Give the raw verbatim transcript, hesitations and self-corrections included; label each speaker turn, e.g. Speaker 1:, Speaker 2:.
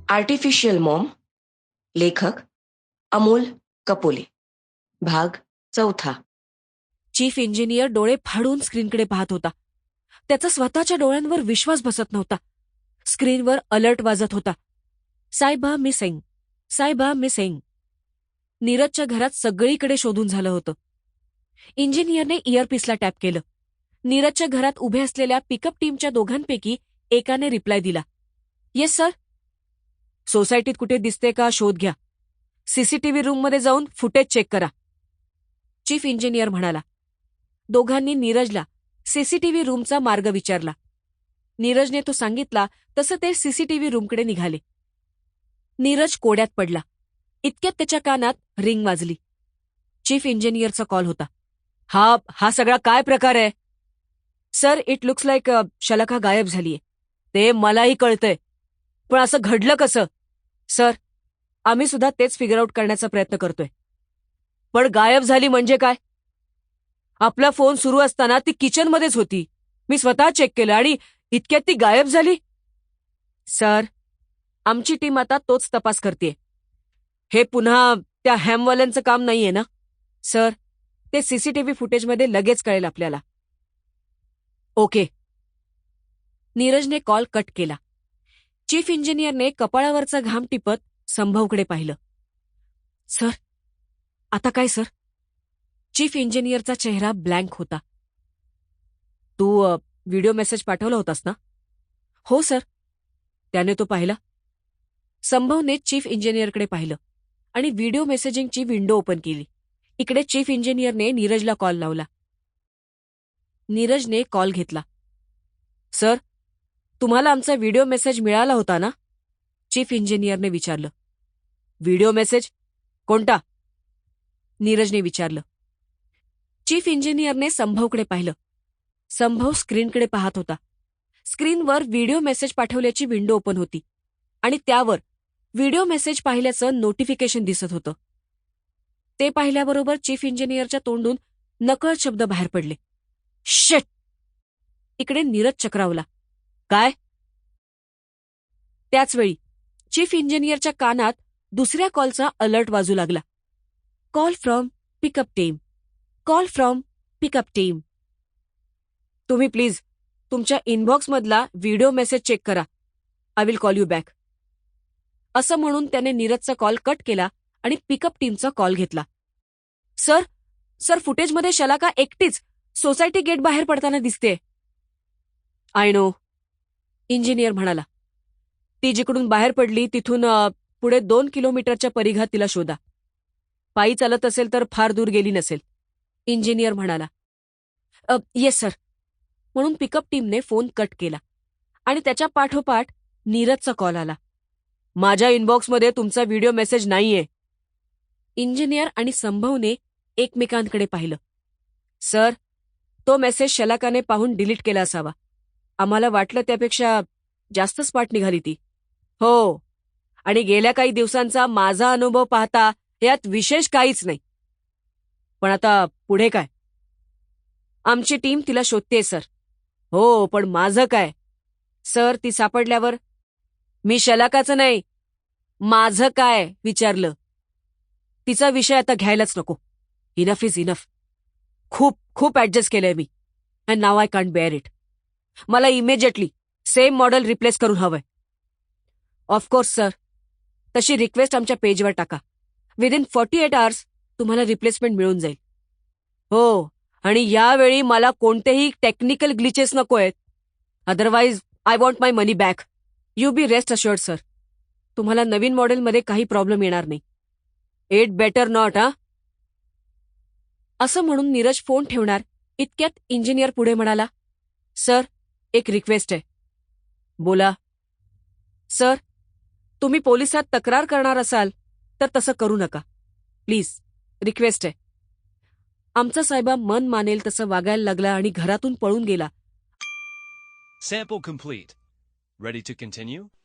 Speaker 1: Artificial Maugham. लेखक अमोल कपोले. भाग चौथा.
Speaker 2: चीफ इंजिनियर डोळे फाडून स्क्रीनकडे पाहत होता. त्याचा स्वतःच्या डोळ्यांवर विश्वास बसत नव्हता. स्क्रीनवर अलर्ट वाजत होता. सायबा मिसिंग, सायबा मिसिंग. नीरजच्या घरात सगळीकडे शोधून झालं होतं. इंजिनियरने इयरपीसला टॅप केलं. नीरजच्या घरात उभे असलेल्या पिकअप टीमच्या दोघांपैकी एकाने रिप्लाय दिला. Yes sir. सोसायटीत कुठे दिसते का शोध घ्या. सीसीटीव्ही रूममध्ये जाऊन फुटेज चेक करा. चीफ इंजिनियर म्हणाला. दोघांनी नीरजला सीसीटीव्ही रूमचा मार्ग विचारला. नीरजने तो सांगितला तसं ते सीसीटीव्ही रूमकडे निघाले. नीरज कोड्यात पडला. इतक्यात त्याच्या कानात रिंग वाजली. चीफ इंजिनियरचा कॉल होता. हा हा सगळा काय प्रकार आहे? Sir, it looks like Shalaka गायब झालीये. ते मलाही कळतंय, पण असं घडलं कसं? सर, आम्ही सुद्धा तेच फिगर आउट करण्याचा प्रयत्न करतोय. पण गायब झाली म्हणजे काय? आपला फोन सुरू असताना ती किचनमध्येच होती. मी स्वतः चेक केलं आणि इतक्यात ती गायब झाली. सर, आमची टीम आता तोच तपास करतेय. हे पुन्हा त्या हॅमवाल्यांचं काम नाहीये ना? सर, ते सीसीटीव्ही फुटेजमध्ये लगेच कळेल आपल्याला. ओके. नीरजने कॉल कट केला. चीफ इंजिनियरने कपाळावरचा घाम टिपत संभवकडे पाहिलं. सर, आता काय सर? चीफ इंजिनियरचा चेहरा ब्लँक होता. तू व्हिडिओ मेसेज पाठवला होतास ना? हो सर. त्याने तो पाहिला. संभवने चीफ इंजिनियरकडे पाहिलं आणि व्हिडिओ मेसेजिंगची विंडो ओपन केली. इकडे चीफ इंजिनियरने नीरजला कॉल लावला. नीरजने कॉल घेतला. सर, तुम्हाला आमचा व्हिडिओ मेसेज मिळाला होता ना? चीफ इंजिनियरने विचारलं. Video message? कोणता? नीरजने विचारलं. चीफ इंजिनियरने संभवकडे पाहिलं. संभव स्क्रीनकडे पाहत होता. स्क्रीनवर व्हिडिओ मेसेज पाठवल्याची विंडो ओपन होती आणि त्यावर व्हिडिओ मेसेज पाहिल्याचं नोटिफिकेशन दिसत होतं. ते पाहिल्याबरोबर चीफ इंजिनियरच्या तोंडून नकळत शब्द बाहेर पडले. शिट! इकडे नीरज चक्रावला. काय? त्याचवेळी चीफ इंजिनियरच्या कानात दुसऱ्या कॉलचा अलर्ट वाजू लागला. Call from pickup team, call from pickup team. तुम्ही प्लीज तुमच्या इनबॉक्समधला व्हिडिओ मेसेज चेक करा. I will call you back. असं म्हणून त्याने नीरजचा कॉल कट केला आणि पिकअप टीमचा कॉल घेतला. सर, सर फुटेजमध्ये शलाका एकटीच सोसायटी गेट बाहेर पडताना दिसते. I know. इंजिनियर म्हणाला. ती जिकडून बाहेर पडली तिथून पुढे दोन किलोमीटरच्या परिघात तिला शोधा. पायी चालत असेल तर फार दूर गेली नसेल. इंजिनियर म्हणाला. Yes sir. म्हणून पिकअप टीमने फोन कट केला आणि त्याच्या पाठोपाठ नीरजचा कॉल आला. माझ्या इनबॉक्समध्ये तुमचा व्हिडिओ मेसेज नाहीये. इंजिनियर आणि संभवने एकमेकांकडे पाहिलं. सर, तो मेसेज शलाकाने पाहून डिलीट केला असावा. आम्हाला वाटलं त्यापेक्षा जास्त स्पाट निघाली ती. हो, आणि गेल्या काही दिवसांचा माझा अनुभव पाहता यात विशेष काहीच नाही. पण आता पुढे काय? आमची टीम तिला शोधतेय सर. हो, पण माझं काय? सर, ती सापडल्यावर मी शलाकाचं नाही, माझं काय विचारलं. तिचा विषय आता घ्यायलाच नको. Enough is enough. खूप खूप ऍडजस्ट केलंय मी and now I can't bear it. मला इमिजिएटली सेम मॉडेल रिप्लेस करून हवंय. Of course sir. तशी रिक्वेस्ट आमच्या पेजवर टाका. विदिन फॉर्टी एट आवर्स तुम्हाला रिप्लेसमेंट मिळून जाईल. हो, आणि यावेळी मला कोणतेही टेक्निकल ग्लिचेस नको आहेत. Otherwise I want my money back. You be rest assured sir. तुम्हाला नवीन मॉडेलमध्ये काही प्रॉब्लेम येणार नाही. It better not. हा असं म्हणून नीरज फोन ठेवणार इतक्यात इंजिनियर पुढे म्हणाला. सर, एक रिक्वेस्ट आहे. बोला. सर, तुम्ही पोलिसात तक्रार करणार असाल तर तसं करू नका. प्लीज, रिक्वेस्ट आहे. आमचा साहेबा मन मानेल तसं वागायला लागला आणि घरातून पळून गेला.
Speaker 3: Sample complete. Ready to continue?